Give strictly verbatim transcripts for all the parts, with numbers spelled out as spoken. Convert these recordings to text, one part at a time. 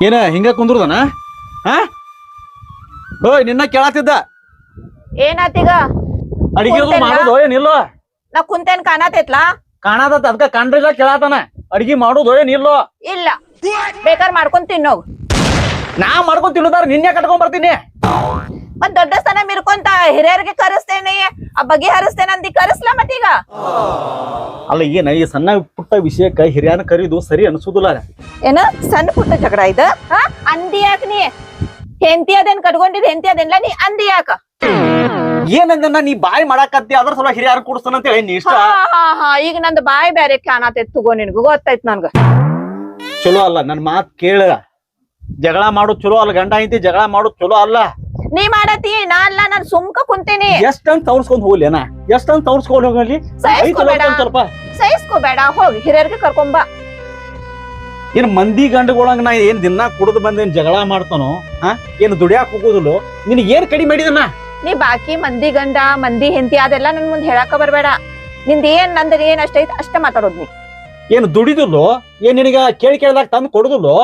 ಏನ ಹಿಂಗ ಕುಂದ್ರದನ ಹಾ ಓಯ್ ನಿನ್ನ ಕೇಳತ್ತಿದ್ದ ಏನಾತೀಗ ಅಡಿಗೆ ಮಾಡೋದು ಏನಿಲ್ಲೋ ನಾ ಕುಂತೇನ್ ಕಾಣತೈತ್ಲಾ ಕಾಣತತ್ ಅದಕ್ಕ ಕಂಡ್ರಿಲ್ಲ ಕೇಳತಾನ ಅಡಿಗೆ ಮಾಡೋದು ಏನಿಲ್ಲೋ ಇಲ್ಲ ಬೇಕಾರ್ ಮಾಡ್ಕೊಂಡ್ ತಿನ್ನೋಗ್ ನಾ ಮಾಡ್ಕೊಂಡ್ ತಿನ್ನೋದಾರ ನಿನ್ನೆ ಕಟ್ಕೊಂಡ್ ಬರ್ತೀನಿ ಮತ್ ದೊಡ್ಡ ಸ್ಥಾನ ಮಿರ್ಕೊಂತ ಹಿರಿಯರಿಗೆ ಕರೆಸ್ತೇನೆ ಆ ಬಗೆ ಹರಿಸ್ತೇನೆ ಅಂದಿ ಕರೆಸ್ಲಾ ಮತ್ತೀಗ ಅಲ್ಲ ಏನ ಈ ಸಣ್ಣ ಪುಟ್ಟ ವಿಷಯಕ್ಕ ಹಿರಿಯನ ಕರೀದು ಸರಿ ಅನ್ಸುದಿಲ್ಲ ಏನ ಸಣ್ಣ ಪುಟ್ಟ ಜಗಳ ಇದ ಹಾ ಅಂದಿ ಯಾಕ ನೀ ಹೆಂತಿ ಅದೇನ್ ಕಟ್ಕೊಂಡಿದ್ ಹೆಂತಿ ಅದೇನ್ಲ ನೀ ಅಂದಿ ಯಾಕ ಏನಂದ ನೀ ಬಾಯಿ ಮಾಡಾಕತ್ತಿ ಅದ್ರ ಸಲ ಹಿರಿಯರ ಕೂಡಿಸ್ತಾನ ಅಂತ ಹೇಳಿ ನೀ ಇಷ್ಟ ಹಾ ಹಾ ಹಾ ಈಗ ನಂದು ಬಾಯಿ ಬ್ಯಾರೆ ಕಾಣತೈತ್ ತಗೋ ನಿನ್ಗ ಗೊತ್ತಾಯ್ತ್ ನನ್ಗ ಚಲೋ ಅಲ್ಲ ನನ್ ಮಾತ್ ಕೇಳ ಜಗಳ ಮಾಡೋದ್ ಚಲೋ ಅಲ್ಲ ಗಂಡ ಐತಿ ಜಗಳ ಮಾಡೋದ್ ಚಲೋ ಅಲ್ಲ ನೀ ಮಾಡತಿ ನಾ ಅಲ್ಲ ನಾನ್ ಸುಮ್ಕ ಕುಂತೀನಿ ಎಷ್ಟಂತ ತವರ್ಸ್ಕೊಂಡ್ ಹೋಗ್ಲೇನ ಎಷ್ಟಂತ ತವರ್ಸ್ಕೊಂಡ್ ಹೋಗಲಿ ಸ್ವಲ್ಪ ಸಹಿಸ್ಕೋಬೇಡ ಹೋಗಿ ಹಿರಿಯರ್ಗೆ ಕರ್ಕೊಂಬ ಏನ್ ಮಂದಿ ಗಂಡುಗಳಂಗ ನಾ ಏನ್ ದಿನ ಕುಡಿದು ಬಂದೇನ್ ಜಗಳ ಮಾಡ್ತಾನೋ ಹಾ ಏನ್ ದುಡಿಯಾಕ ಹೋಗೋದಿಲ್ಲೋ ನಿನ್ ಏನ್ ಕಡಿಮೆ ಮಾಡಿದನ ನೀ ಬಾಕಿ ಮಂದಿ ಗಂಡ ಮಂದಿ ಹೆಂತಿ ಅದೆಲ್ಲ ನನ್ ಮುಂದ್ ಹೇಳಾಕ ಬರ್ಬೇಡ ನಿಂದ ಏನ್ ನಂದ್ರ ಏನ್ ಅಷ್ಟೈತ್ ಅಷ್ಟ ಮಾತಾಡೋದ್ ನೀ ಏನ್ ದುಡಿದಿಲ್ಲೋ ಏನ್ ನಿನಗ ಕೇಳಿ ಕೇಳಿದಾಗ ತಂದು ಕೊಡುದಿಲ್ಲೋ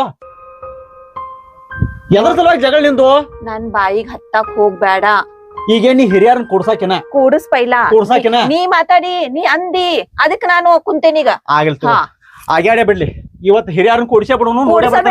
ಎದ್ರ ಸಲುವಾಗಿ ಜಗಳ ನಿಂದು ನನ್ ಬಾಯಿಗ್ ಹತ್ತಾಕ್ ಹೋಗ್ಬೇಡ ಈಗ ನೀ ಹಿರಿಯರನ್ನ ಕೂಡ್ಸಾಕಿನ ಕೂಡಿಸ್ ಪೈಲ ಕೂಡ್ಸಾಕಿನ ನೀ ಮಾತಾಡಿ ನೀ ಅಂದಿ ಅದಕ್ ನಾನು ಕುಂತೇನೀಗ ಆಗಿಲ್ ಆಗ್ಯಾಡೇ ಬಿಡ್ಲಿ ಇವತ್ ಹಿರಿಯರನ್ನ ಕೂಡಿಸೇ ಬಿಡೋನು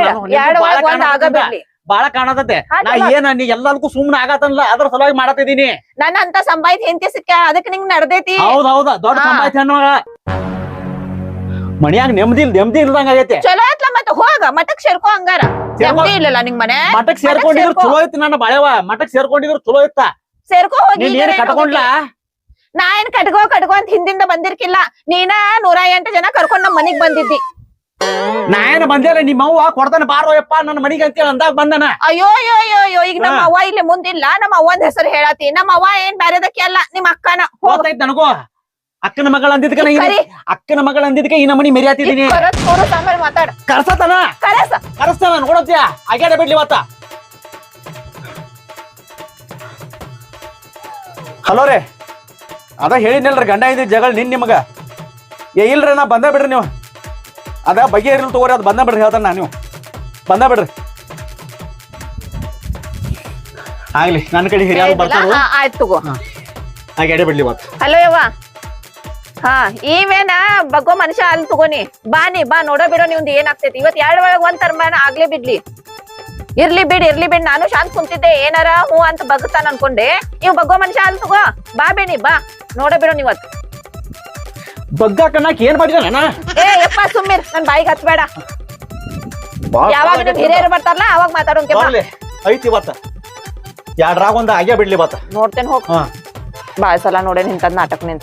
ಬಾಳ ಕಾಣತತೆ ನಾ ಏನ ನೀ ಎಲ್ಲದಕ್ಕೂ ಸುಮ್ನೆ ಆಗತ್ತಲ್ಲ ಅದ್ರ ಸಲುವಾಗಿ ಮಾಡತ್ತಿದೀನಿ ನನ್ನ ಅಂತ ಸಂಬಾಯ್ತ ಹೆಂತಿ ಸಿಕ್ಕ ಅದಕ್ ನಿಂಗ್ ನಡ್ದೈತಿ ಹೌದ್ ಹೌದ ದೊಡ್ಡ ಸಂಬಾಯ್ತ ಹೆಣ್ಮಗಳ ಮನ್ಯಾಗ ನೆಮ್ಮದಿ ನೆಮ್ಮದಿ ಇಲ್ದಂಗ ಆಗೈತೆ ಚಲೋ ಆಯ್ತಲ್ಲ ಮತ್ತ ಹೋಗ ಮಠಕ್ ಸೇರ್ಕೋ ಹಂಗಾರ ನೆಮ್ಮದಿ ಇಲ್ಲಲ್ಲ ನಿಂಗ್ ಮನೆ ಮಠಕ್ ಸೇರ್ಕೊಂಡಿದ್ರು ಚಲೋ ಇತ್ತು ನನ್ನ ಬಾಳೆವ ಮಠಕ್ ಸೇರ್ಕೊಂಡಿದ್ರು ಚಲೋ ಇತ್ತ ಸೇರ್ಕೋ ಹೋಗಿ ಕಟ್ಕೊಂಡ್ಲಾ ನಾ ಏನ್ ಕಟ್ಕೋ ಕಟ್ಕೋ ಅಂತ ಹಿಂದಿಂದ ಬಂದಿರ್ಕಿಲ್ಲ ನೀನ ನೂರ ಎಂಟು ಜನ ಕರ್ಕೊಂಡ್ ನಮ್ ಮನಿಗ್ ಬಂದಿದ್ದಿ ನಾ ಏನ್ ಬಂದೇರ ನಿಮ್ಮ ಅವ್ವ ಕೊಡ್ತಾನೆ ಬಾರೋಯಪ್ಪ ನನ್ನ ಮನಿಗೆ ಅಂತೇಳಿ ಅಂದಾಗ ಬಂದನ ಅಯ್ಯೋ ಅಯ್ಯೋ ಅಯ್ಯೋ ಅಯ್ಯೋ ಈಗ ನಮ್ಮ ಅವ್ವ ಇಲ್ಲಿ ಮುಂದಿಲ್ಲ ನಮ್ಮ ಅವ್ವನ್ ಹೆಸರು ಹೇಳತಿ ನಮ್ಮ ಅವ್ವ ಏನ್ ಬ್ಯಾರೆದಕ್ಕೆ ಅಲ್ಲ ನಿಮ್ ಅಕ್ಕನ ಹೋಗ್ತೈತ್ ನನಗೂ ಅಕ್ಕನ ಮಗಳ ಅಂದಿದ್ಕ ಅಕ್ಕನ ಮಗಳ ಅಂದಿದ್ಕ ಈ ನಮ್ಮನಿ ಮೆರಿಯಾತಿದೀನಿ ಮಾತಾಡ ಕರ್ಸತನ ಕರಸ ಕರ್ಸ್ತಾನ ನೋಡತ್ಯ ಆಗ್ಯಾಡ ಬಿಡ್ಲಿ ಇವತ್ತ ಹಲೋ ರೇ ಅದ ಹೇಳಿನಲ್ರಿ ಗಂಡ ಇದ್ದ ಜಗಳ ನಿನ್ ನಿಮಗ ಏ ಇಲ್ರಿ ನಾ ಬಂದ ಬಿಡ್ರಿ ನೀವು ಅದ ಬಗೆ ಇರ್ಲಿ ತಗೋರಿ ಅದ್ ಬಂದ ಬಿಡ್ರಿ ಹೇಳ್ತಾನ ನಾ ನೀವು ಬಂದ ಬಿಡ್ರಿ ಆಗ್ಲಿ ನನ್ನ ಕಡೆ ಹಿರಿಯರು ಬರ್ತಾರ ಆಯ್ತು ತಗೋ ಆಗ್ಯಾಡ ಬಿಡ್ಲಿ ಇವತ್ತು ಹಲೋ ಯವ್ವ ಹಾ ಇವೇನ ಬಗ್ಗೋ ಮನುಷ್ಯ ಅಲ್ಲಿ ತಗೋನಿ ಬಾ ನೀ ಬಾ ನೋಡೋ ಬಿಡೋ ನಿಮ್ದು ಏನಾಗ್ತೈತಿ ಇವತ್ ಎರಡ್ ಒಳಗ್ ಒಂದ್ ತರ್ಮಾನ ಆಗ್ಲೇ ಬಿಡ್ಲಿ ಇರ್ಲಿ ಬಿಡ್ ಇರ್ಲಿ ಬಿಡ್ ನಾನು ಶಾಂತ್ ಕುಂತಿದ್ದೆ ಏನಾರ ಹೂ ಅಂತ ಬಗ್ತಾನ ಅನ್ಕೊಂಡೆ ಇವ್ ಬಗ್ಗೋ ಮನುಷ್ಯ ಅಲ್ಲಿ ತಗೋ ಬಾ ಬೇನಿ ಬಾ ನೋಡೋ ಬಿಡೋ ನೀವತ್ ಬಗ್ಗ ಕಣ್ಣಾಕ್ ಏನ್ ಮಾಡಿದಾನ ಏ ಯಪ್ಪ ಸುಮ್ಮಿರ್ ನನ್ ಬಾಯಿಗೆ ಹತ್ಬೇಡ ಯಾವಾಗ ನಿಮ್ ಹಿರಿಯರು ಬರ್ತಾರಲ್ಲ ಅವಾಗ ಮಾತಾಡೋಂಕೆ ಐತಿ ಇವತ್ತ ಎರಡ್ರಾಗ ಒಂದ್ ಆಗ್ಯಾ ಬಿಡ್ಲಿ ಇವತ್ತ ನೋಡ್ತೇನೆ ಹೋಗ್ ಬಾಳ ಸಲ ನೋಡೇ ನಿಂತದ್ ನಾಟಕ ನಿಂತ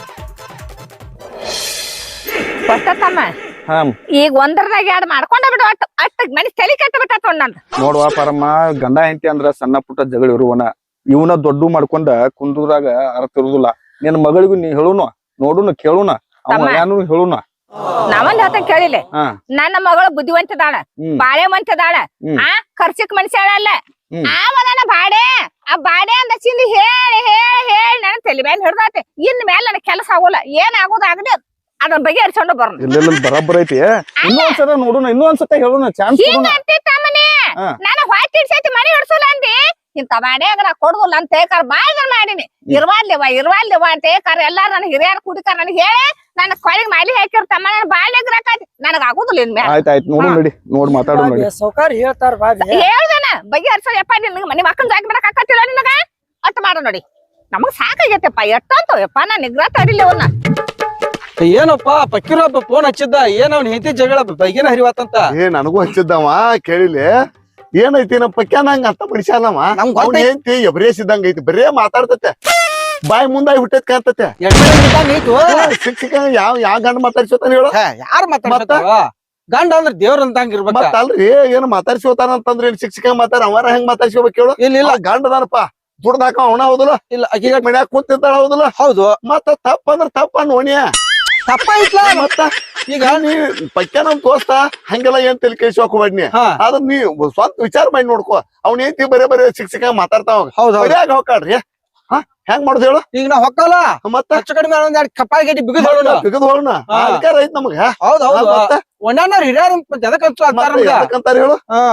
ತಮ್ಮ ಈಗ ಒಂದರದಾಗ ಎರಡ್ ಮಾಡ್ಕೊಂಡ ಬಿಡು ಅಟ್ ಅಟ್ಟ ಮನಿ ತಲೆ ಕೆಟ್ಟ ಬಿಟ್ಟ ನಂದ ನೋಡುವ ಪರಮ್ಮ ಗಂಡ ಹೆಂಡತಿ ಅಂದ್ರ ಸಣ್ಣ ಪುಟ್ಟ ಜಗಳ ಇರುವನ ಇವನ ದೊಡ್ಡ ಮಾಡ್ಕೊಂಡ ಕುಂದ್ರಾಗ ಅರ್ಥ ಇರುದಿಲ್ಲ ನಿನ್ ಮಗಳಿಗೂ ನೀ ಹೇಳುನು ನೋಡುನು ಕೇಳುನ ಅವನು ಹೇಳುನ ನಾವಂದ್ ಹೇಳ್ತ ಕೇಳಿಲ್ಲ ನನ್ನ ಮಗಳು ಬುದ್ಧಿವಂತದಾಳ ಬಾಳೆ ಮಂತದಾಳ ಆ ಖರ್ಚಕ್ ಮನುಷ್ಯಳಲ್ಲ ಆವನ ಬಾಡೆ ಆ ಬಾಡೆ ಅಂದ ಚಿಂದಿ ಹೇಳಿ ಹೇಳಿ ಹೇಳಿ ನನ್ನ ತಲೆ ಮೇಲೆ ಹಿಡ್ದಾತೆ ಇನ್ ಮೇಲೆ ನನ್ನ ಕೆಲಸ ಆಗೋಲ್ಲ ಏನ್ ಆಗೋದಾಗದೆ ಅದನ್ನ ಬಗ್ಗೆ ಹರಿಸ್ಕೊಂಡು ಬರೋಣ ಇಲ್ಲ ಬರಾಬರ್ ಐತಿ ಇನ್ನೊಂದ್ಸಲ ನೋಡುನ ಇನ್ನೊಂದ್ಸತ ಹೇಳುನ ಚಾನ್ಸ್ ನಾನು ಹೊಟ್ಟೆ ಹಿಡ್ಸೈತಿ ಮನೆ ಹಿಡ್ಸಲ್ಲ ಅಂದಿ ಇಂತ ಬಾಡ್ಯಾಗ ನಾ ಕೊಡುದಿಲ್ಲ ಅಂತ ಏಕಾರ ಬಾಯ್ದಾರ ಮಾಡೀನಿ ಇರ್ವಾಲ್ಯವ ಇರ್ವಾಲ್ಯವ ಅಂತ ಏಕಾರ ಎಲ್ಲಾರು ನನ್ ಹಿರಿಯರ್ ಕುಡಿತಾರ ನನಗೆ ಹೇಳಿ ನನ್ನ ಕೊಳಿಗೆ ಮಾಲಿ ಹಾಕಿರ್ತಮ್ಮ ನನ್ನ ಬಾಳ್ಯಾಗ್ರಾಕತಿ ನನಗ ಆಗುದಿಲ್ಲ ಇನ್ ಮೇಲೆ ಆಯ್ತು ಆಯ್ತು ನೋಡು ನಡಿ ನೋಡ್ ಮಾತಾಡೋ ನಡಿ ಸೌಕರ್ಯ ಹೇಳ್ತಾರ ಬಾಬಿ ಹೇಳ್ದೇನ ಬಗ್ಗೆ ಹರ್ಸೋಯಪ್ಪ ನಿನ್ಗ ಮನಿ ಮಕ್ಕಳ ಜಾಗ ಬಿಡಕ್ ಆಕತ್ತಿಲ್ಲ ನಿನಗ ಅಟ್ ಮಾಡೋ ನೋಡಿ ನಮಗ್ ಸಾಕಾಗೈತೆಪ್ಪ ಎಷ್ಟಂತವಪ್ಪ ನಾ ನಿಗ್ರಹ ತಡಿಲಿ ಅವನ್ನ ಏನಪ್ಪ ಪಕ್ಕಿರೊಬ್ಬ ಫೋನ್ ಹಚ್ಚಿದ್ದ ಏನ್ ಅವ್ನ ಹೆಂಡತಿ ಜಗಳ ಬೈಗೇನ ಹರಿವಾತಂತ ಏ ನನಗೂ ಹಚ್ಚಿದ್ದವ ಕೇಳಿಲೆ ಏನೈತಿ ನಮ್ಮ ಪಕ್ಯ ನಂಗ ಅಂತ ಮನುಷ್ಯನವ ಅವ್ನ ಹೆಂಡತಿ ಎಬ್ರೇಸಿದಂಗ ಐತಿ ಬರೇ ಮಾತಾಡ್ತತೆ ಬಾಯಿ ಮುಂದಾಗಿ ಹುಟ್ಟೈತ್ ಕಾಣ್ತತೆ ಶಿಕ್ಷಕ ಯಾವ ಯಾವ ಗಂಡ ಮಾತಾಡ್ಸೋತಾನ ಹೇಳು ಯಾರು ಮಾತಾಡ್ತಾರ ಗಂಡ ಅಂದ್ರ ದೇವ್ರ ಅಂತಂಗ ಇರ್ಬೇಕ ಮತ್ತ ಅಲ್ರಿ ಏನ್ ಮಾತಾಡ್ಸೋತಾನ ಅಂತಂದ್ರ ಏನ್ ಶಿಕ್ಷಕ ಮಾತಾಡ ಅವರ ಹೆಂಗ್ ಮಾತಾಡ್ಸ್ಕೋಬೇಕು ಹೇಳು ಇಲ್ಲ ಇಲ್ಲ ಗಂಡದಾನಪ್ಪ ದುಡ್ದಾಕ ಅವನ ಹೌದಲ್ಲ ಇಲ್ಲ ಈಗ ಮನ್ಯಾಗ ಕೂತಿರ್ತಾಳ ಹೌದಲ್ಲ ಹೌದು ಮತ್ತ ತಪ್ಪ ಅಂದ್ರ ತಪ್ಪ ನೋಣಿಯ ತಪ್ಪ ಐತ್ಲ ಮತ್ತ ಈಗ ನೀ ಪಕ್ಯ ನಮ್ ದೋಸ್ತ ಹಂಗೆಲ್ಲ ಏನ್ ತಲೆ ಕೇಳಿಸೋಕ್ ಹೋಗ್ಬಾಡ್ನಿ ಅದ್ರ ನೀ ಸ್ವಂತ ವಿಚಾರ ಮಾಡಿ ನೋಡ್ಕೋ ಅವ್ನ ಏಂತಿ ಬರೇ ಬರೇ ಶಿಕ್ಷಕ ಮಾತಾಡ್ತಾವ ಹೌದು ಬರಿಯಾಗ ಹೋಗ್ಕಾಡ್ರಿ ಹೆಂಗ್ ಮಾಡುದು ಹೇಳು ಈಗ ನಾವ್ ಹೊಕ್ಕಲ್ಲ ಮತ್ತ ಹೆಚ್ಚು ಕಡಿಮೆ ಒಂದ್ ಎರಡ್ ಕಪ್ಪಾಯಿ ಗಟ್ಟಿ ಬಿಗದ್ ಹೇಳೋಣ ಬಿಗದ್ ಹೋಗೋಣ ಹಾ. ಅಧಿಕಾರ ಐತ್ ನಮಗ ಹೌದ್ ಹೌದು ಮತ್ತ ಒಣ್ಣಾನವ್ರ ಹಿರಿಯರ್ ಎದಕ್ ಹಚ್ಚು ಅಂತಾರ ನಮ್ಗ ಯಾಕಂತಾರ ಹೇಳು ಹಾ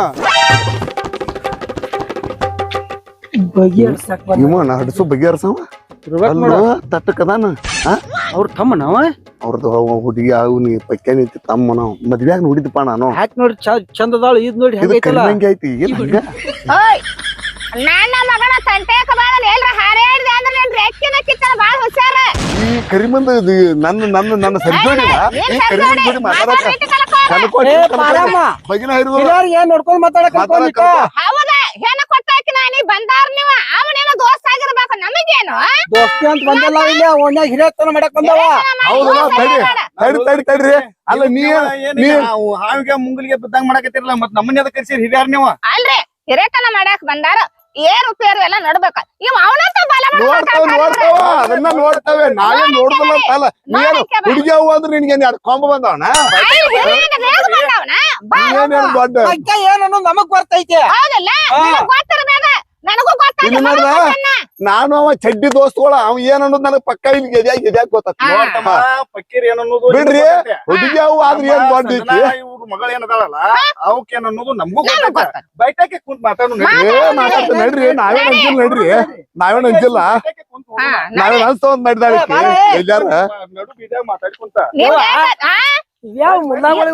ಇವ ಹಡಸು ಬಗೆಹರ್ಸವ ಅಲ್ಲೋ ತಟ್ಟಕದಾನ ಅವ್ರ ತಮ್ಮ ನಾವ ಅವ್ರದ್ದು ಹುಡುಗಿ ಅವ್ನಿ ಪಕ್ಕ ನಿಂತಿ ತಮ್ಮ ನಾವು ಮದ್ವ್ಯಾಗ ನೋಡಿದಪ್ಪ ನಾನು ಹ್ಯಾಕ್ ನೋಡಿ ಚಂದ ಅದಾಳ ಇದ್ ನೋಡಿ ಇದು ಹೆಂಗೈತಲ್ಲ ಕಡಿಮೆ ಐತಿ ಏನ್ ಹಂಗ ಓಯ್ ನನ್ನ ಮಗನ ತಂಟೆಕ ಬಾಳ ಎಲ್ರ ಹಾರಾಡಿದೆ ಅಂದ್ರೆ ನನ್ ರೆಕ್ಕಿನ ಕಿತ್ತನ ಬಾಳ ಹುಷಾರ ಈ ಕರಿಮಂದ ಇದು ನನ್ನ ನನ್ನ ನನ್ನ ಸರಿ ಜೋಡಿನ ಈ ಕರಿಮಂದ ಜೋಡಿ ಮಾತಾಡಕ ಕಲ್ಕೋಟಿ ಬಗಿನ ಹಿರಿದು ಹಿರಿಯರ್ ಏನ್ ನೋಡ್ಕೊಂಡ್ ಮಾತಾಡಕ್ ಮಾತಾಡಕ ಹೌದ ಹೆಣ ಕೊಟ್ಟಾಕಿ ನಾನಿ ಬಂದಾರ ನೀವ ಅವನೇನೋ ದೋಸ್ತ ಆಗಿರ್ಬೇಕು ನಮಗೇನು ದೋಸ್ತಿ ಅಂತ ಬಂದಲ್ಲ ಇಲ್ಲ ಒಣ್ಣ ಹಿರಿಯತನ ಮಾಡಕ್ ಬಂದವ ಹೌದು ತಡಿ ತಡಿ ತಡಿ ತಡ್ರಿ ಅಲ್ಲ ನೀ ನೀ ಹಾವಿಗೆ ಮುಂಗಲಿಗೆ ಬಿದ್ದಂಗ ಮಾಡಕತ್ತಿರಲ್ಲ ಮತ್ ನಮ್ಮನ್ನ ಎದಕ್ ಕರ್ಸಿರಿ ಹಿರಿಯರ್ ನೀವು ಅಲ್ರಿ ಹಿರೇತನ ಮಾಡಾಕ್ ಬಂದಾರ ಏರು ಪೇರು ಎಲ್ಲ ನಡ್ಬೇಕ ಇವ್ ಅವನಂತ ಬಲ ನೋಡ್ತಾವ ನೋಡ್ತಾವ ಅದನ್ನ ನೋಡ್ತಾವೆ ನಾವೇ ನೋಡ್ದಲ್ಲ ಅಂತಲ್ಲ ನೀನು ಹುಡುಗಿ ಅವು ಅಂದ್ರೆ ನಿನ್ಗೆ ಎರಡು ಕೊಂಬ ಬಂದವನ ನೀನೇನು ದೊಡ್ಡ ಅಕ್ಕ ಏನ್ ಅನ್ನೋದು ನಮಗ್ ಗೊತ್ತೈತೆ ಹೌದಲ್ಲ ಗೊತ್ತಿರ್ಬೇಕ ನನಗೂ ಇಲ್ಲಿ ನೋಡ್ದ ಗೊತ್ತಾಗ ನಾನು ಅವ ಚಡ್ಡಿ ದೋಸ್ತುಗಳ ಅವ ಏನ್ ಅನ್ನೋದು ನನಗ್ ಪಕ್ಕ ಇಲ್ಲಿ ಗೆದ್ಯಾಗ ಗೆದ್ಯಾಗ ಗೊತ್ತ ನೋಡ್ತಮ್ಮ ಪಕ್ಕೀರ್ ಏನ್ ಅನ್ನೋದು ಬಿಡ್ರಿ ಹುಡುಗಿ ಅವು ಆದ್ರೆ ಏನ್ ದೊಡ್ಡ ಐತಿ ಇವ್ರ ಮಗಳ ಏನದಾಳಲ್ಲ ಅವಕ್ ಏನ್ ಅನ್ನೋದು ನಮಗೂ ಗೊತ್ತ ಬೈಟಾಕೆ ಕುಂತ್ ಮಾತಾಡು ಏ ಮಾತಾಡ್ತ ನಡ್ರಿ ನಾವೇನ್ ಅಂಜಿಲ್ಲ ನಡ್ರಿ ನಾವೇನ್ ಅಂಜಿಲ್ಲ ನಾವೇನ್ ಅನ್ಸ್ತ ಒಂದ್ ಮಾಡಿದಾಳ ಎಲ್ಲಾರ ನಡು ಬೀದಾಗ ಮಾತಾಡ್ಕೊಂತ ಯಾವ ಮುಲ್ಲಾಗಳು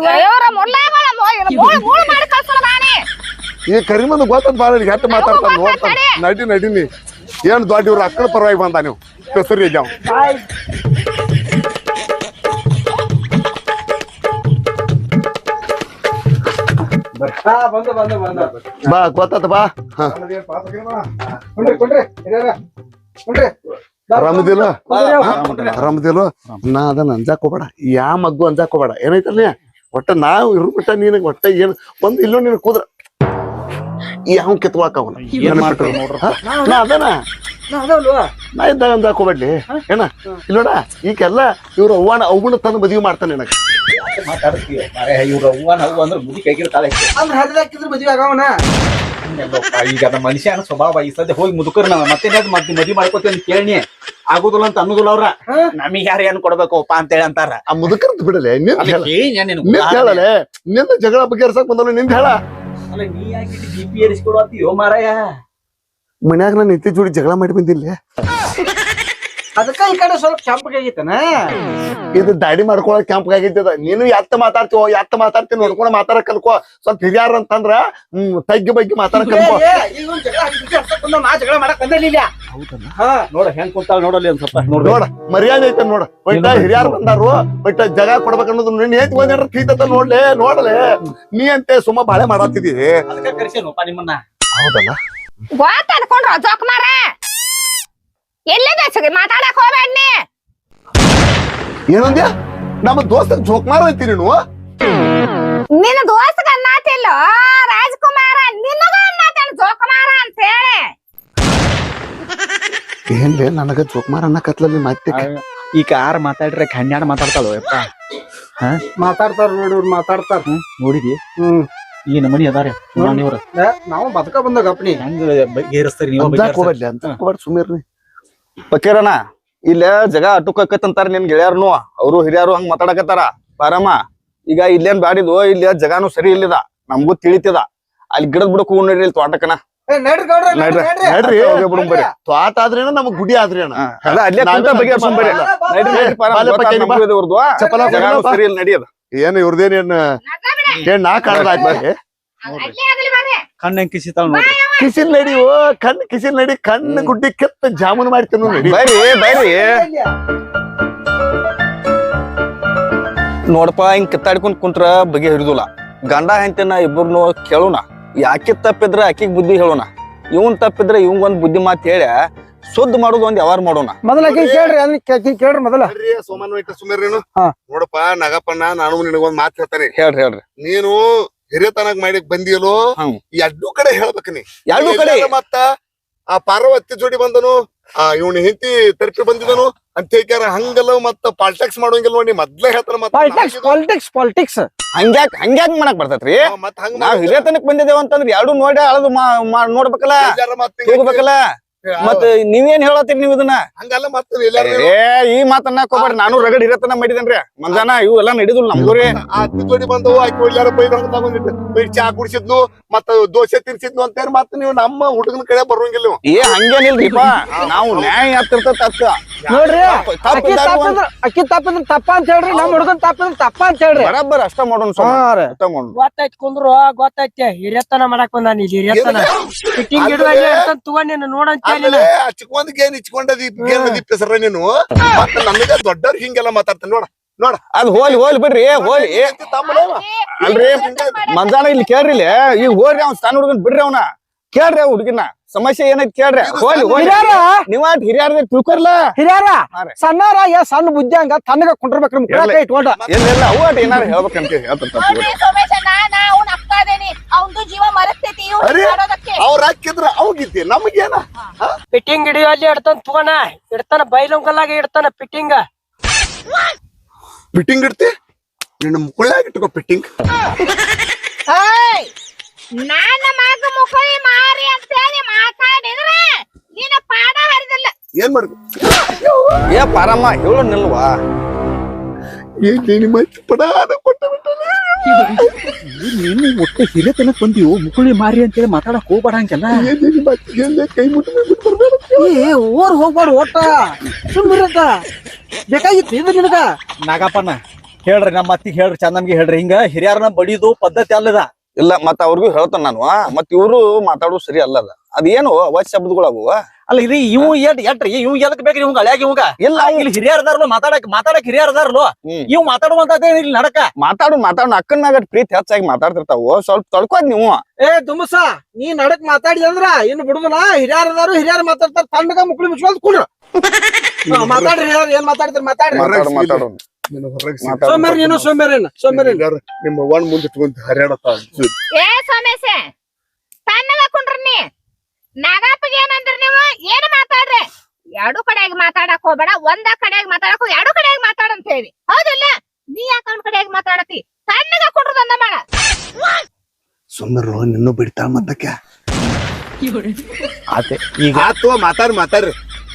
ಮಾಡಿ ಕಳ್ಸೋಣ ನಾನೇ ಈ ಕರಿಮಂದ ಗೊತ್ತಂತ ಬಾಳ ಹೆಟ್ಟು ಮಾತಾಡ್ತಾನ ನೋಡ್ತಾನ ನಡಿ ನಡಿನಿ ಏನ್ ದೊಡ್ಡ ಇವ್ರ ಅಕ್ಕಳ ಪರವಾಗಿ ಬಂದ ನೀವು ಹೆಸರು ಜಾವ್ ಬಂದ ಬಂದ ಬಂದ ಬಾ ಗೊತ್ತಾತ ಬಾ ಹ ಕೊಂಡ್ರಿ ಕೊಂಡ್ರಿ ಹಿರಿಯರ ಕೊಂಡ್ರಿ ಆರಾಮದಿಲ್ಲ ಆರಾಮದಿಲ್ಲ ನಾ ಅದನ್ನ ಅಂಜಾಕ್ ಹೋಗ್ಬೇಡ ಯಾ ಮಗ್ಗು ಅಂಜಾಕ್ ಹೋಗ್ಬೇಡ ಏನೈತಲ್ಲ ಒಟ್ಟ ನಾವ್ ಇರು ಬಿಟ್ಟ ನೀನ್ ಒಟ್ಟ ಏನ್ ಒಂದ್ ಇಲ್ಲೋ ನೀನ್ ಕೂದ್ರ ಯಾವ ಕಿತ್ಕೊಳಕ್ ಅವನ ನಾ ಅದನ ನಾ ಅದಲ್ವಾ ನಾ ಇದ್ದಾಗ ಅಂಜಾಕ್ ಹೋಗ್ಬೇಡ್ಲಿ ಏನ ಇಲ್ಲೋಡ ಈಗೆಲ್ಲ ಇವ್ರ ಅವ್ವನ ಅವ್ವನ ತಂದು ಮದ್ವಿ ಮಾಡ್ತಾನೆ ನನಗ ಮಾತಾಡ್ತೀವಿ ಇವ್ರ ಅವ್ವ ನಾವು ಅಂದ್ರೆ ಮುದಿ ಕೈಗಿರ್ತಾಳೆ ಅಂದ್ರೆ ಹರಿದಾಕಿದ್ರ ಮದ್ವೆ ಆಗವನ ಈಗ ನಮ್ಮ ಮನುಷ್ಯನ ಸ್ವಭಾವ ಈ ಸದ್ಯ ಹೋಗಿ ಮುದುಕರ್ ನಾವ್ ಮತ್ತೆ ಮತ್ತೆ ಮದ್ವಿ ಮಾಡ್ಕೋತೀವಿ ಅಂತ ಕೇಳಿ ಆಗುದಿಲ್ಲ ಅಂತ ಅನ್ನೋದಿಲ್ಲ ಅವ್ರ ನಮಗ್ ಯಾರು ಏನ್ ಕೊಡ್ಬೇಕಪ್ಪ ಅಂತ ಹೇಳಿ ಅಂತಾರ ಆ ಮುದುಕರ್ದು ಬಿಡಲೆ ನಿಂದ ಹೇಳ ನೀನ್ ನಿಂದ ಹೇಳಲೆ ನಿಂದ ಜಗಳ ಬಗೆಹರ್ಸಕ್ ಬಂದಲ್ಲ ನಿಂದ ಹೇಳ ನೀ ಯಾಕೆ ಬಿ ಪಿ ಏರಿಸ್ಕೊಡು ಅಂತೀಯೋ ಮಾರಾಯ ಮನ್ಯಾಗ ನಾನು ನಿತ್ಯ ಜೋಡಿ ಜಗಳ ಮಾಡಿ ಬಂದಿಲ್ಲ ಅದಕ್ಕ ಈ ಕಡೆ ಸ್ವಲ್ಪ ಕೆಂಪಗಾಗಿತ್ತನ ಇದು ದಾಡಿ ಮಾಡ್ಕೊಳಕ್ ಕ್ಯಾಂಪ್ ಆಗಿದ್ದದ ನೀನು ಎತ್ತ ಮಾತಾಡ್ತೀವೋ ಎತ್ತ ಮಾತಾಡ್ತೀನಿ ನೋಡ್ಕೊಂಡು ಮಾತಾಡಕ್ ಕಲ್ಕೋ ಸ್ವಲ್ಪ ಹಿರಿಯಾರ ಅಂತಂದ್ರ ಹ್ಮ್ ತಗ್ಗಿ ಬಗ್ಗೆ ಮಾತಾಡಕ್ ಕಲ್ಕೋ ಈಗ ಒಂದ್ ಜಗಳ ಬಂದ ನಾ ಜಗಳ ಮಾಡಕ್ ಬಂದಿಲ್ಲ ಹಾ ನೋಡ ಹೆಂಗ್ ಕುಂತಾಳ ನೋಡಲ್ಲಿ ಒಂದ್ ಸ್ವಲ್ಪ ನೋಡ್ರಿ ನೋಡ ಮರ್ಯಾದೆ ಐತೆ ನೋಡ ಬಟ್ ಹಿರಿಯಾರ್ ಬಂದಾರು ಬಟ್ ಜಗ ಕೊಡ್ಬೇಕ ಅನ್ನೋದು ನಿನ್ ಏತ್ ಒಂದ್ ಕೀತತ ನೋಡ್ಲೆ ನೋಡಲೆ ನೀ ಅಂತೆ ಸುಮ್ಮ ಬಾಳೆ ಮಾಡತ್ತಿದಿ ಅದಕ್ಕೆ ಕರ್ಸೇನಪ್ಪ ನಿಮ್ಮನ್ನ ಹೌದಲ್ಲ ಗೊತ್ತ ಅನ್ಕೊಂಡ್ರ ಜೋಕ್ ಮಾರ ಎಲ್ಲದ ಮಾತಾಡಕ್ ಹೋಗ್ಬೇಡ್ನಿ ಏನಂದ್ಯ ನಮ್ಮ ದೋಸ್ತ ಜೋಕ್ಮಾರ ಐತಿ ನೀನು ನಿನ್ನ ದೋಸ್ತಗ ಅನ್ನತಿಲ್ಲ ರಾಜ್ಕುಮಾರ ನಿನ್ನಗ ಅನ್ನತೇನ ಜೋಕುಮಾರ ಅಂತ ಹೇಳಿ ಏನ್ಲೇ ನನಗ ಜೋಕ್ಮಾರ ಅನ್ನ ಕತ್ಲಲ್ಲಿ ಮತ್ತೆ ಈ ಕಾರ್ ಮಾತಾಡ್ರೆ ಕನ್ಯಾಡ ಮಾತಾಡ್ತಾಳು ಯಪ್ಪ ಮಾತಾಡ್ತಾರ ನೋಡ್ರಿ ಮಾತಾಡ್ತಾರ ನೋಡಿದಿ ಹ್ಮ್ ಈ ನಮನಿ ಅದಾರ ನೀವ್ರ ನಾವು ಬದುಕ ಬಂದಾಗ ಅಪ್ಪನಿ ಹೆಂಗ್ ಬಗೆಹರಿಸ್ತಾರಿ ನೀವು ಅಂಜಾಕ್ ಹೋಗ್ಬೇಡ್ಲಿ ಅಂತ ಹೋಗ್ಬೇಡ ಸುಮ್ಮಿರ್ರಿ ಪಕೀರಣ್ಣ ಇಲ್ಲ ಜಗ ಅಟುಕತ್ತಂತಾರ ನಿನ್ ಗೆಳೆಯರ್ನು ಅವರು ಹಿರಿಯರು ಹಂಗ ಮಾತಾಡಕತ್ತಾರ ಪಾರಮ್ಮ ಈಗ ಇಲ್ಲೇನ್ ಬ್ಯಾಡಿದು ಇಲ್ಲಿ ಜಗಾನು ಸರಿ ಇಲ್ಲಿದ ನಮ್ಗೂ ತಿಳಿತದ ಅಲ್ಲಿ ಗಿಡದ್ ಬಿಡಕ್ ಹೋಗ್ ನೋಡ್ರಿ ಇಲ್ಲಿ ತೋಟಕನ ನಡ್ರಿ ಬರ್ರಿ ತ್ವಾಟ ಆದ್ರೇನ ನಮಗ್ ಗುಡಿ ಆದ್ರೇನ ಅದ ಅಲ್ಲೇ ಕುಂತ ಬಗೆಹರ್ಸ್ಕೊಂಡ್ ಬರ್ರಿ ನಡ್ರಿ ನಡ್ರಿ ಪಾರಮ್ಮ ಇವ್ರದ್ದು ಜಗಾನು ಸರಿ ಇಲ್ಲ ನಡಿಯದ ಏನ್ ಇವ್ರದೇನ್ ಏನ್ ಏನ್ ನಾ ಕಾಣದಾಯ್ತು ಕಣ್ಣ ಹೆಂಗ್ ಕಿಸಿತಾಳ ನೋಡ್ರಿ ಕಿಸಿಲ್ ನಡಿ ಓ ಕಣ್ ಕಿಸಿಲ್ ನಡಿ ಕಣ್ಣು ಗುಡ್ಡಿ ಕೆತ್ತ ಜಾಮೂನ್ ಮಾಡ್ತೀನಿ ನಡಿ ಬರ್ರಿ ಬರ್ರಿ ನೋಡಪ್ಪ ಹಿಂಗ್ ಕಿತ್ತಾಡ್ಕೊಂಡ್ ಕುಂತ್ರ ಬಗೆ ಹಿಡಿದಿಲ್ಲ ಗಂಡ ಹೆಂಡತಿನ ಇಬ್ಬರನ್ನು ಕೇಳೋಣ ಯಾಕೆ ತಪ್ಪಿದ್ರ ಆಕಿಗ್ ಬುದ್ಧಿ ಹೇಳೋಣ ಇವನ್ ತಪ್ಪಿದ್ರ ಇವಂಗ್ ಒಂದ್ ಬುದ್ಧಿ ಮಾತ್ ಹೇಳಿ ಶುದ್ಧ ಮಾಡೋದು ಒಂದ್ ಯಾವಾರ ಮಾಡೋಣ ಮೊದಲ ಕೇಳ್ರಿ ಅದನ್ನ ಕೇಳ್ರಿ ಮೊದಲ ಸೋಮನ್ ಇಟ್ಟ ಸುಮೇರೇನು ಹಾ. ನೋಡಪ್ಪ ನಗಪ್ಪಣ್ಣ ನಾನು ನಿನಗೊಂದ್ ಮಾತು ಹೇಳ್ತಾನೆ ಹೇಳ್ರಿ ಹೇಳ್ರಿ ನೀನು ಹಿರಿಯತನಕ್ ಮಾಡಿ ಬಂದಿಯಲೋ ಹ್ಮ್. ಎರಡು ಕಡೆ ಹೇಳ್ಬೇಕ ನೀ ಎರಡು ಕಡೆ ಮತ್ತ ಆ ಪಾರ್ವತಿ ಜೋಡಿ ಬಂದನು ಆ ಇವ್ನ ಹೆಂಡತಿ ತರ್ಪಿ ಬಂದಿದನು ಅಂತ ಹೇಳ್ಕ್ಯಾರ ಹಂಗಲ್ಲ ಮತ್ತ ಪಾಲಿಟಿಕ್ಸ್ ಮಾಡೋಂಗಿಲ್ಲ ನೋಡಿ ಮೊದ್ಲೇ ಹೇಳ್ತಾರ ಪಾಲಿಟಿಕ್ಸ್ ಪಾಲಿಟಿಕ್ಸ್ ಪಾಲಿಟಿಕ್ಸ್ ಹಂಗ್ಯಾಕ್ ಹಂಗ್ಯಾಕ್ ಮಾಡಕ್ ಬರ್ತೈತ್ರಿ ಮತ್ ಹಂಗ ನಾವ್ ಹಿರಿಯತನಕ್ ಬಂದಿದ್ದೇವ ಅಂತಂದ್ರ ಎರಡು ನೋಡಿ ಅಳದು ಮಾ- ಮಾ- ನೋಡ್ಬೇಕಲ್ಲ ಹೋಗ್ಬೇಕಲ್ಲ ಮತ್ ನೀವೇನ್ ಹೇಳತ್ತೀರಿ ನೀವ್ ಇದನ್ನ ಹಂಗಲ್ಲ ಮತ್ತೆ ಏ ಈ ಮಾತನ್ನ ಹೋಗ್ಬೇಡ್ರಿ ನಾನು ರಗಡ್ ಹಿರತನ ಮಾಡಿದೇನ್ರಿ ಮಂಜಾನ ಇವು ಎಲ್ಲಾ ನಡಿದಿಲ್ಲ ನಮ್ಗೂರಿ ಆ ಜೋಡಿ ಬಂದವು ಆಕಿ ಒಳ್ಳೆ ಬೈದ್ ತಗೊಂಡಿಟ್ಟು ಬೈದ್ ಚಾ ಕುಡಿಸಿದ್ನು ಮತ್ತ ದೋಸೆ ತಿರ್ಸಿದ್ನು ಅಂತೇಳಿ ಮತ್ತ ನೀವು ನಮ್ಮ ಹುಡುಗನ ಕಡೆ ಬರೋಂಗಿಲ್ಲ ನೀವು ಏ ಹಂಗೇನಿಲ್ರಿಪ್ಪ ನಾವು ನ್ಯಾಯ ಹತ್ತಿರ್ತದ ತಕ್ಕ ನೋಡ್ರಿ ತಪ್ಪ ಅಕ್ಕಿ ತಪ್ಪಿದ್ರ ಅಕ್ಕಿ ತಪ್ಪಿದ್ರ ತಪ್ಪ ಅಂತ ಹೇಳ್ರಿ ನಮ್ ಹುಡುಗನ್ ತಪ್ಪಿದ್ರ ತಪ್ಪ ಅಂತ ಹೇಳ್ರಿ ಬರಬ್ಬರ್ ಅಷ್ಟ ಮಾಡೋಣ ಅಷ್ಟ ಮಾಡೋಣ ಗೊತ್ತಾಯ್ತು ಕುಂದ್ರು ಗೊತ್ತಾಯ್ತೆ ಹಿರಿಯತನ ಮಾಡಕ್ ಬಂದಾನ ಇಲ್ಲಿ ಹಿರಿಯತನ ಫಿಟ್ಟಿಂಗ್ ಇಡುವಾಗ ತಗೊಂಡ್ ನೀನು ನೋಡಂತ ಆಮೇಲೆ ಚಿಕ್ಕೊಂದ್ ಗೇನ್ ಇಚ್ಕೊಂಡದಿ ಗೇನ್ ದಿಪ್ಪ ಹೆಸರ ನೀನು ಮತ್ತ ನಮಗ ದೊಡ್ಡವ್ರ ಹಿಂಗೆಲ್ಲ ಮಾತಾಡ್ತಾನೆ ನೋಡ ನೋಡ ಅದ್ ಹೋಲಿ ಹೋಲಿ ಬಿಡ್ರಿ ಹೋಲಿ ಅಲ್ರಿ ಮಂಜಾನ ಇಲ್ಲಿ ಕೇಳ್ರಿ ಇಲ್ಲಿ ಈಗ ಹೋಗ್ರಿ ಅವ್ನ ಸಣ್ಣ ಹುಡುಗನ್ ಬಿಡ್ರಿ ಅವನ ಕೇಳ್ರಿ ಅವ್ ಹುಡುಗಿನ ಸಮಸ್ಯೆ ಏನೈತಿ ಕೇಳ್ರಿ ಹೋಲಿ ಹೋಲಿ ನೀವ ಹಿರಿಯಾರ ತಿಳ್ಕೊರ್ಲ ಹಿರಿಯಾರ ಸಣ್ಣಾರ ಏ ಸಣ್ಣ ಬುದ್ಧಿ ಹಂಗ ತನ್ನಗ ಕುಂಡ್ರಬೇಕ್ರಿ ಮುಖ ಇಟ್ಕೊಂಡ ಏನಿಲ್ಲ ಅವು ಅಟ್ ಏನಾರ ಹೇಳ್ಬೇಕಂತ ಹೇಳ್ತಿರ್ತಾರ ನೋಡ್ರಿ ಸೋಮೇಶ ನಾನ ಅವ್ನ ಅಕ್ಕ ಅದೇನಿ ಅವಂದು ಜೀವ ಮರಸ್ತೈತಿ ಇವ್ನು ಅರೆ ಮಾಡೋದಕ್ಕೆ ಅವ್ರ ಹಾಕಿದ್ರ ಅವ್ಗಿದ್ದಿ ನಮಗೇನ ಫಿಟ್ಟಿಂಗ್ ಹಿಡಿಯುವಲ್ಲಿ ಇಡ್ತಾನ ತಗೋಣ ಇಡ್ತಾನ ಬೈಲೊಂಗಲ್ಲಾಗ ಇಡ್ತಾನ ಫಿಟ್ಟಿಂಗ್ ಫಿಟ್ಟಿಂಗ್ ಇಡ್ತಿ ನಿನ್ನ ಮುಕ್ಕಳಾಗ ಇಟ್ಕೋ ಫಿಟ್ಟಿಂಗ್ ನನ್ನ ಮಗ ಮುಖಳಿ ಮಾರಿ ಅಂತ ಹೇಳಿ ಮಾತಾಡಿದ್ರೆ ನೀನ ಪಾಡ ಹರಿದಿಲ್ಲ. ಏನ್ ಮಾಡುದು ಏ ಪಾರಮ್ಮ ಹೇಳು ನಿಲ್ವಾ ಏನ್ ನಿಮ್ಮ ಪಡಾದ ಕೊಟ್ಟ ಬಿಟ್ಟಲ್ಲ ನೀನು ಒಟ್ಟು ಹಿರಿತನ ಬಂದಿವು ಮುಕುಳಿ ಮಾರಿ ಅಂತೇಳಿ ಮಾತಾಡಕ್ ಹೋಗ್ಬೇಡ ಹಂಗೆಲ್ಲ ಏನ್ ಕೈ ಮುಟ್ಟ ಬಿಟ್ಟು ಬರ್ಬೇಡ ಏ ಓರ್ ಹೋಗ್ಬಾರ್ದು ಒಟ್ಟ ಸುಮ್ಮಿರತ್ತ ಬೇಕಾಗಿತ್ತು ಇದು ನಿನಗ ನಾಗಪ್ಪನ ಹೇಳ್ರಿ ನಮ್ಮ ಅತ್ತಿಗೆ ಹೇಳ್ರಿ ಚಂದಮ್ಗೆ ಹೇಳ್ರಿ ಹಿಂಗ ಹಿರಿಯರನ್ನ ಬಡಿದು ಪದ್ಧತಿ ಅಲ್ಲದ ಇಲ್ಲ ಮತ್ತ ಅವ್ರಿಗೂ ಹೇಳ್ತಾನ ನಾನು ಮತ್ ಇವ್ರು ಮಾತಾಡೋದು ಸರಿ ಅಲ್ಲದ ಅದೇನು ಅವಾಜ್ ಶಬ್ದಗಳಾವು ಅಲ್ಲ ಇದು ಇವು ಎಟ್ ಎಟ್ರಿ ಇವ್ ಎದಕ್ ಬೇಕ್ರಿ ಇವಂಗ ಹಳ್ಯಾಗ ಇವಂಗ ಇಲ್ಲ ಇಲ್ಲಿ ಹಿರಿಯರದಾರ್ಲು ಮಾತಾಡಕ್ ಮಾತಾಡಕ್ ಹಿರಿಯರದಾರ್ಲು ಇವ್ ಮಾತಾಡುವಂತದೇ ಇಲ್ಲಿ ನಡಕ ಮಾತಾಡು ಮಾತಾಡು ಅಕ್ಕನಾಗ ಪ್ರೀತಿ ಹೆಚ್ಚಾಗಿ ಮಾತಾಡ್ತಿರ್ತಾವು ಸ್ವಲ್ಪ ತಡ್ಕೋದ್ ನೀವು ಏ ದುಮಸ ನೀ ನಡಕ್ ಮಾತಾಡಿ ಅಂದ್ರ ಇನ್ನು ಬಿಡುದಿಲ್ಲ ಹಿರಿಯರದಾರು ಹಿರಿಯರ್ ಮಾತಾಡ್ತಾರ ತಣ್ಣಗ ಮುಕ್ಳಿ ಮುಚ್ಕೊಂಡ್ ಕುಡ್ರ ಮಾತಾಡ್ರಿ ಹಿರಿಯರ್ ಏನ್ ಮಾತಾಡ್ತಾರ ಮಾತಾಡ್ರಿ ಮಾತಾಡು ಮಾತಾಡು ಸೋಮ್ಯಾರ ನೀನು ಸೋಮ್ಯಾರೇನ ಸೋಮ್ಯಾರೇನ ನಿಮ್ಮ ಒಣ್ ಮುಂದೆ ಇಟ್ಕೊಂತ ಹರ್ಯಾಡತ್ತ ಏ ಸೋಮೇಶ ತನ್ನಗ ಕುಂಡ್ರಿ ನೀ ನಾಗಪ್ಪಗೆ ಏನಂದ್ರಿ ನೀವು ಏನ್ ಮಾತಾಡ್ರಿ ಎರಡು ಕಡೆಯಾಗಿ ಮಾತಾಡಕ್ ಹೋಗ್ಬೇಡ ಒಂದ ಕಡೆಯಾಗಿ ಮಾತಾಡಕ್ ಹೋಗಿ ಎರಡು ಕಡೆಯಾಗಿ ಮಾತಾಡಂತ ಹೇಳಿ ಹೌದಿಲ್ಲ ನೀ ಯಾಕ ಒಂದ್ ಕಡೆಯಾಗಿ ಮಾತಾಡತಿ ತನ್ನಗ ಕುಂಡ್ರದಂದ ಮಾಡ ಸುಮ್ಮರು ನಿನ್ನೂ ಬಿಡ್ತಾಳ ಮತ್ತಕ್ಕೆ ಆತೆ ಈಗ ಆತು ಮಾತಾಡ್ರಿ ಮಾತಾಡ್ರಿ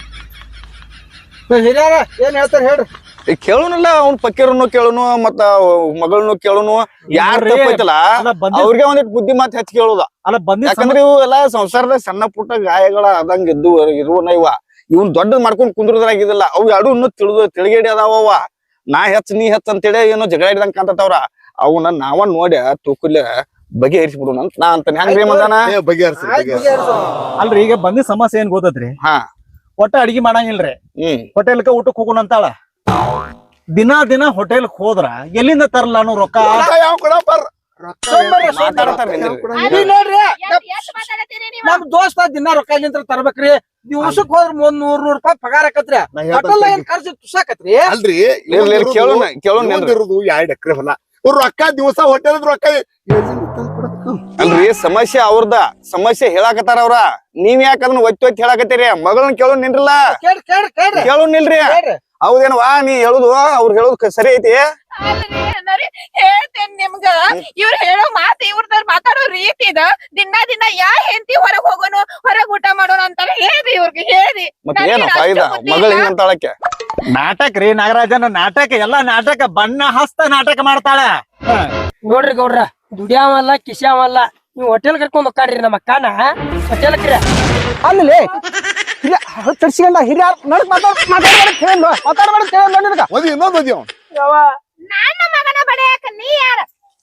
ಹಿರಿಯರ ಏನ್ ಹೇಳ್ತಾರ ಹೇಳ್ರಿ ಈಗ ಕೇಳುನಲ್ಲ ಅವ್ನ ಪಕ್ಕೀರನ್ನು ಕೇಳುನು ಮತ್ತ ಮಗಳನ್ನು ಕೇಳುನು ಯಾರ್ ತಪ್ಪೈತಲ್ಲ ಅವ್ರಿಗೆ ಒಂದಿಟ್ ಬುದ್ಧಿ ಮಾತ್ ಹೆಚ್ಚು ಕೇಳುದ ಅಲ್ಲ ಬಂದಿ ಯಾಕಂದ್ರೆ ಇವು ಎಲ್ಲಾ ಸಂಸಾರದ ಸಣ್ಣ ಪುಟ್ಟ ಗಾಯಗಳ ಆದಂಗ ಇದ್ದು ಇರುವನ ಇವ ಇವ್ನ್ ದೊಡ್ಡದ್ ಮಾಡ್ಕೊಂಡ್ ಕುಂದ್ರದ್ರಾಗಿದಿಲ್ಲ ಅವು ಎರಡು ಇನ್ನೂ ತಿಳಿದು ತಿಳಿಗೇಡಿ ಅದಾವ ನಾ ಹೆಚ್ಚ ನೀ ಹೆಚ್ಚ ಅಂತೇಳಿ ಏನೋ ಜಗಳ ಹಿಡ್ದಂಗ ಕಾಂತವ್ರ ಅವನ್ನ ನಾವ ನೋಡಿ ತೂಕಲ್ಯ ಬಗೆಹರಿಸ್ಬಿಡು ಅಂತ ನಾ ಅಂತಾನೆ ಹೆಂಗ್ರಿ ಮಂದಾನ ಬಗೆಹರಿಸಿ ಅಲ್ರಿ ಈಗ ಬಂದಿ ಸಮಸ್ಯೆ ಏನ್ ಗೊತ್ತೈತ್ರಿ ಹಾ ಒಟ್ಟ ಅಡಿಗೆ ಮಾಡಂಗಿಲ್ರಿ ಹ್ಮ್ ಹೋಟೆಲ್ಕ ಊಟಕ್ ಹೋಗೋಣ ಅಂತಾಳ ದಿನಾ ದಿನ ಹೋಟೆಲ್ ಹೋದ್ರ ಎಲ್ಲಿಂದ ತರಲ್ಲ ಅನ್ನೋ ರೊಕ್ಕ ಯಾವ ಕೊಡಪ್ಪ ಮಾತಾಡ್ತಾರ ನೋಡ್ರಿ ಎಷ್ಟು ಮಾತಾಡತ್ತೀರಿ ನೀವು ನಮ್ ದೋಸ್ತ ದಿನ ರೊಕ್ಕ ನಿಂತ್ರ ತರ್ಬೇಕ್ರಿ ದಿವ್ಸಕ್ ಹೋದ್ರ ಒಂದ್ ನೂರ್ ನೂರ್ ರೂಪಾಯಿ ಪಗಾರ ಆಕತ್ರಿ ಹೋಟೆಲ್ ಏನ್ ಖರ್ಚು ತುಸಾಕತ್ರಿ ಅಲ್ರಿ ಕೇಳೋಣ ಕೇಳೋಣ ಇರೋದು ಎರಡ್ ಎಕರೆ ಹೊಲ ಇವ್ರು ರೊಕ್ಕ ದಿವಸ ಹೋಟೆಲ್ ರೊಕ್ಕ ಅಲ್ರಿ ಸಮಸ್ಯೆ ಅವ್ರದ ಸಮಸ್ಯೆ ಹೇಳಾಕತ್ತಾರ ಅವ್ರ ನೀವ್ ಯಾಕ ಅದನ್ನ ಒತ್ತಿ ಒತ್ತಿ ಹೇಳಾಕತ್ತೀರಿ ಮಗಳನ್ನ ಕೇಳೋ ನಿನ್ರಲ್ಲ ಕೇಳ್ರಿ ಕೇಳ್ರಿ ಕೇಳ್ರಿ ಕೇಳೋ ನಿಲ್ರಿ ಕೇಳ್ರಿ ಹೌದೇನವಾ ನೀ ಹೇಳುದು ಅವ್ರು ಹೇಳುದು ಸರಿ ಐತಿ ಅಲ್ರಿ ಅಣ್ಣಾರಿ, ಹೇಳ್ತೇನ್ ನಿಮ್ಗ ಇವ್ರ ಹೇಳೋ ಮಾತು ಇವ್ರದ ಮಾತಾಡೋ ರೀತಿ ಇದ ದಿನ ದಿನ ಯಾ ಹೆಂಡತಿ ಹೊರಗ್ ಹೋಗೋನು ಹೊರಗ್ ಊಟ ಮಾಡೋಣ ಅಂತಾರ ಹೇಳ್ರಿ ಇವ್ರಿಗೆ ಹೇಳ್ರಿ ಮತ್ತೆ ಏನು ಫಾಯ್ದಾ ಮಗಳ ಹಿಂಗಂತಾಳಕ್ಕೆ ನಾಟಕ ರೀ ನಾಗರಾಜನ ನಾಟಕ ಎಲ್ಲಾ ನಾಟಕ ಬಣ್ಣ ಹಸ್ತ ನಾಟಕ ಮಾಡ್ತಾಳ ನೋಡ್ರಿ ಗೌಡ್ರ ದುಡಿಯಾವಲ್ಲ ಕಿಸ್ಯಾವಲ್ಲ ನೀವು ಹೋಟೆಲ್ ಕರ್ಕೊಂಡ್ ಹೋಗ್ಕಾಡ್ರಿ ನಮ್ಮ ಅಕ್ಕನ ಹೋಟೆಲ್ ಕ್ರಿಯ ಅಲ್ಲಿ ಹಿರಿಯ ತರ್ಸಿಕೊಂಡ ಹಿರಿಯರ್ ನಡಕ್ ಮಾತಾಡ್ ಮಾತಾಡ್ಬೇಡ ಕೇಳಲ್ಲ ಮಾತಾಡ್ಬೇಡ ಕೇಳಲ್ಲ ನಿನಗ ಓದಿ ಇನ್ನೊಂದು ಓದಿ ಅವ್ನು ನನ್ನ ಮಗನ ಬಡಿಯಾಕ ನೀ ಯಾರ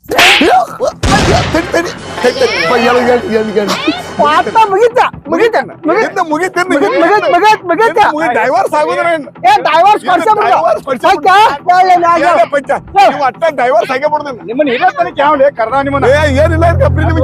ಮಾತ ಮುಗಿತ ಮುಗಿತ ಡೈವರ್ಸ್ ಆಗುದ್ರೇನ್ ಏ ಡೈವರ್ಸ್ ಡೈವರ್ಸ್ ಆಗೇ ಬಿಡ್ದೇನೆ ನಿಮ್ಮನ್ನ ಇರತ್ತನ ಕ್ಯಾವ್ಲೆ ಕರ್ದ ನಿಮ್ಮನ್ನ ಏ ಏನಿಲ್ಲ ಕಪ್ರಿ ನಿಮಗೆ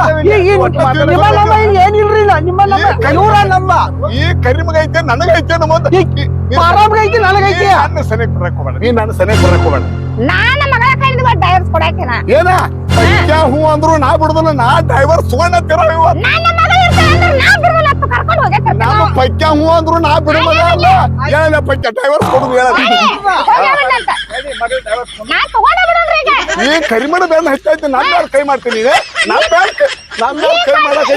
ಏನಿಲ್ರಿ ನಿಮ್ಮ ಇವ್ರ ನಮ್ಮ ಈ ಕರಿ ಮಗ ಐತೆ ನನಗೈತೆ ನಮ್ಮ ಆರಾಮ್ಗೈತಿ ನನಗೈತಿ ನನ್ನ ಸನಿಕ್ ಬರಕ್ ಹೋಗ್ಬೇಡ ನೀ ನನ್ನ ಸನಿಕ್ ಬರಕ್ ಹೋಗ್ಬೇಡ ನನ್ನ ಮಗಳ ಕೈಯಿಂದ ಡೈವರ್ಸ್ ಕೊಡಾಕಿನ ಏನ ಪಂಚ ಹೂ ಅಂದ್ರು ನಾ ಬಿಡುದಲ್ಲ ನಾ ಡೈವರ್ಸ್ ಸುವರ್ಣ ತಿರೋ ನನ್ನ ಮಗ ಇರ್ತಾಳ ಅಂದ್ರೆ ನಾ ಬಿಡಲ್ಲ ಕರ್ಕೊಂಡು ಹೋಗಕ್ಕೆ ನಮ್ಮ ಪೈಕ್ಯ ಹೂ ಅಂದ್ರು ನಾ ಬಿಡೋದ ಅಲ್ಲ ಹೇಳ ಪೈಕ್ಯ ಡ್ರೈವರ್ ಕೊಡುದು ಹೇಳ ನಾ ತಗೊಂಡ ಬಿಡೋಣ್ರಿ ಈಗ ಈ ಕರಿಮಣ ಬೇಡ ಹೆಚ್ಚೈತಿ ನಾನ್ ಯಾರು ಕೈ ಮಾಡ್ತೀನಿ ಈಗ ನಾನ್ ಬ್ಯಾಡ ನಾನ್ ಕೈ ಮಾಡಕ್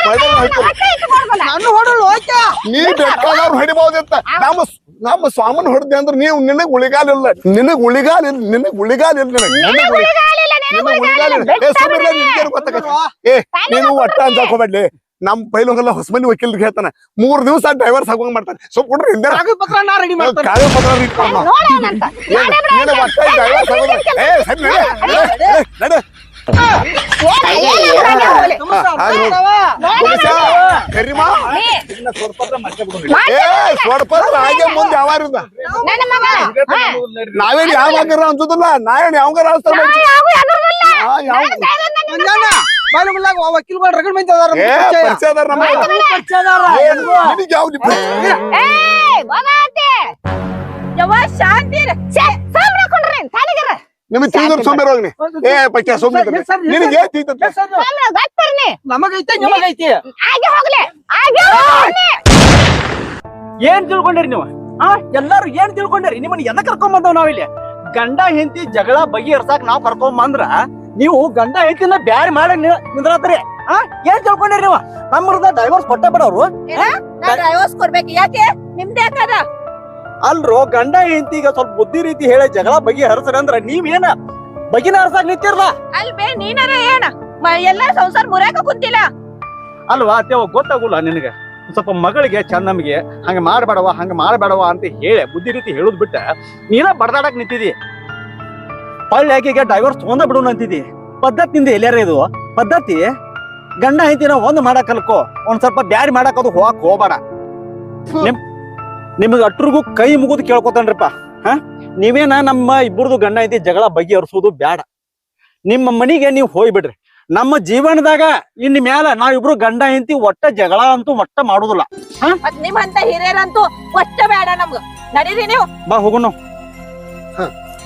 ನಾನು ಹೊಡಲು ಓಕೆ ನೀ ಬೇಕಾದವ್ರು ಹೊಡಿಬಹುದಿತ್ತ ನಮ್ಮ ನಮ್ಮ ಸ್ವಾಮನ್ ಹೊಡೆದೆ ಅಂದ್ರೆ ನೀವು ನಿನಗ್ ಉಳಿಗಾಲ ಇಲ್ಲ ನಿನಗ್ ಉಳಿಗಾಲ ಇಲ್ಲ ನಿನಗ್ ಉಳಿಗಾಲ ಇಲ್ಲ ನಿನಗ್ ನಿನಗ್ ಉಳಿಗಾಲಿಲ್ಲ, ನಿನಗ್ ನಿನಗ್ ಉಳಿಗಾಲ ಇಲ್ಲ ಏ ಸುಮ್ಮನೆ ನಿನ್ಗೇನು ಗೊತ್ತಾಗತ್ತೆ ಏ ನೀನು ಒಟ್ಟ ಅಂಜಾಕ್ ಹೋಗ್ಬೇಡ್ಲಿ ನಮ್ ಪೈಲೋಗೆಲ್ಲ ಹೊಸಮನಿ ವಕೀಲ್ರಿಗೆ ಹೇಳ್ತಾನ ಮೂರ್ ದಿವಸ ಡ್ರೈವರ್ ಸಾಗುವಂಗ್ ಮಾಡ್ತಾನೆ ಸೊ ಕೊಡ್ರಿ ಹಿಂದೆ ಕಾಗದ ಪತ್ರ ನಾ ರೆಡಿ ಮಾಡ್ತೇನೆ ಕಾಗದ ಪತ್ರ ಇಟ್ಕೊಂಡು ನೋಡೋಣಂತ ನೀನು ಒಟ್ಟ ಡ್ರೈವರ್ ಸಾಗೋದು ಏ ಸರಿ ನಡೆ ನಡೆ ಕರಿಮಾ ಏ ಸ್ವರ್ಪತ್ರ ಹಾಗೆ ಮುಂದೆ ಯಾವಾರಿಂದ ನನ್ನ ಮಗ ನಾವೇನ್ ಯಾವಾಗಾರ ಅನ್ಸುದಿಲ್ಲ ನಾವೇನ್ ಯಾವಾಗಾರ ಅನ್ಸ್ತಾರ ಯಾವ ಯಾವ್ದಿಲ್ಲ ಯಾವ ಬಾಯಿಲಾಗ ವಕೀಲ್ಗಳು ರಗಡ್ ಮಂದಿ ಅದಾರ ಏ ಪರಿಚಯ ಅದಾರ ನಮ್ಮ ನಿನಗೆ ಯಾವ ಏ ಹೋಗಾತೆ ಯವ್ವ ಶಾಂತಿ ಸಾಮ್ರ ಕೊಂಡ್ರಿ ತಾನಿಗರ ನಿಮಗೆ ತಿಳಿದ್ರ ಸೋಮೇರ ಹೋಗ್ನಿ ಏ ಪಕ್ಕ ಸೋಮೇರ ನಿನಗೆ ಏನ್ ತಿಳಿತತ್ತೆ ಸಾಮ್ರ ಗಟ್ಪರ್ನಿ ನಮಗೈತೆ ನಿಮಗೈತಿ ಆಗೆ ಹೋಗ್ಲೆ ಆಗೆ ಹೋಗ್ಲಿ ಏನ್ ತಿಳ್ಕೊಂಡ್ರಿ ನೀವು ಆ ಎಲ್ಲಾರು ಏನ್ ತಿಳ್ಕೊಂಡ್ರಿ ನಿಮ್ಮನ್ನ ಎದಕ್ ಕರ್ಕೊಂಡ್ ಬಂದವ್ ನಾವಿಲ್ಲಿ ಗಂಡ ಹೆಂಡತಿ ಜಗಳ ಬಗೆಹರ್ಸಾಕ್ ನಾವ್ ಕರ್ಕೊಂಡ್ ಬಂದ್ರ ನೀವು ಗಂಡ ಹೆಂಡತಿನ ಬ್ಯಾರಿ ಮಾಡಿ ನಿಂದ್ರತ್ರಿ ಆ ಏನ್ ತಿಳ್ಕೊಂಡ್ರಿ ನೀವು ನಮ್ಮದ ಡೈವರ್ಸ್ ಕೊಟ್ಟ ಬಿಡವ್ರು ನಾ ಡೈವರ್ಸ್ ಕೊಡ್ಬೇಕು ಯಾಕೆ ನಿಮ್ದೇ ಯಾಕದ ಅಲ್ರೋ ಗಂಡ ಹೆಂಡತಿಗ ಸ್ವಲ್ಪ ಬುದ್ಧಿ ರೀತಿ ಹೇಳಿ ಜಗಳ ಬಗೆಹರ್ಸ್ರಿ ಅಂದ್ರ ನೀವೇನ ಬಗಿನ ಹರ್ಸಾಕ್ ನಿಂತಿರ್ಲ ಅಲ್ಬೇ ನೀನಾರ ಏನ ಮ- ಎಲ್ಲಾ ಸಂಸಾರ ಮುರ್ಯಾಕ ಕುಂತಿಲ್ಲ ಅಲ್ವಾ ಅತ್ಯವ ಗೊತ್ತಾಗುಲ್ಲ ನಿನಗೆ ಸ್ವಲ್ಪ ಮಗಳಿಗೆ ಚಂದಮ್ಗೆ ಹಂಗ ಮಾಡ್ಬೇಡವ ಹಂಗ ಮಾಡ್ಬೇಡವ ಅಂತ ಹೇಳಿ ಬುದ್ಧಿ ರೀತಿ ಹೇಳುದ್ ಬಿಟ್ಟ ನೀನ ಬಡದಾಡಕ್ ನಿಂತಿದಿ ಪಳ್ಳಿ ಆಕೆಗೆ ಡೈವರ್ಸ್ ತೊಂದ ಬಿಡೋಣ ಅಂತಿದಿ ಪದ್ಧತಿಯಿಂದ ಎಲ್ಲಾರ ಇದು ಪದ್ಧತಿ ಗಂಡ ಹೆಂಡತಿನ ಒಂದ್ ಮಾಡಕ್ ಕಲ್ಕೋ ಒಂದ್ ಸ್ವಲ್ಪ ಬ್ಯಾರಿ ಮಾಡಕ್ ಅದು ಹೋಗಕ್ ಹೋಗ್ಬೇಡ ನಿಮ್ ನಿಮಗ ಅಟ್ರಿಗೂ ಕೈ ಮುಗಿದು ಕೇಳ್ಕೊತಾನ್ರಿಪ್ಪ ಹ ನೀವೇನ ನಮ್ಮ ಇಬ್ಬರದು ಗಂಡ ಹೆಂಡತಿ ಜಗಳ ಬಗೆಹರಿಸೋದು ಬ್ಯಾಡ ನಿಮ್ಮ ಮನಿಗೆ ನೀವು ಹೋಗ್ಬಿಡ್ರಿ ನಮ್ಮ ಜೀವನದಾಗ ಇನ್ ಮ್ಯಾಲ ನಾವಿಬ್ರು ಗಂಡ ಹೆಂಡತಿ ಒಟ್ಟ ಜಗಳ ಅಂತೂ ಒಟ್ಟ ಮಾಡುದಿಲ್ಲ ಮತ್ ನಿಮ್ಮಂತ ಹಿರಿಯರಂತೂ ಒಟ್ಟ ಬೇಡ ನಮ್ಗ ನಡೀರಿ ನೀವು ಬಾ ಹೋಗೋಣ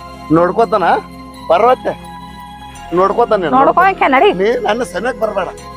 ನೋಡ್ಕೋತಾನ ಪರ್ವತ್ತೆ ನೋಡ್ಕೋತಾನೆ ನೋಡ್ಕೊಳಕ್ಕೆ ನಡಿ ನೀ ನನ್ನ ಸನಿಯಕ್ ಬರ್ಬೇಡ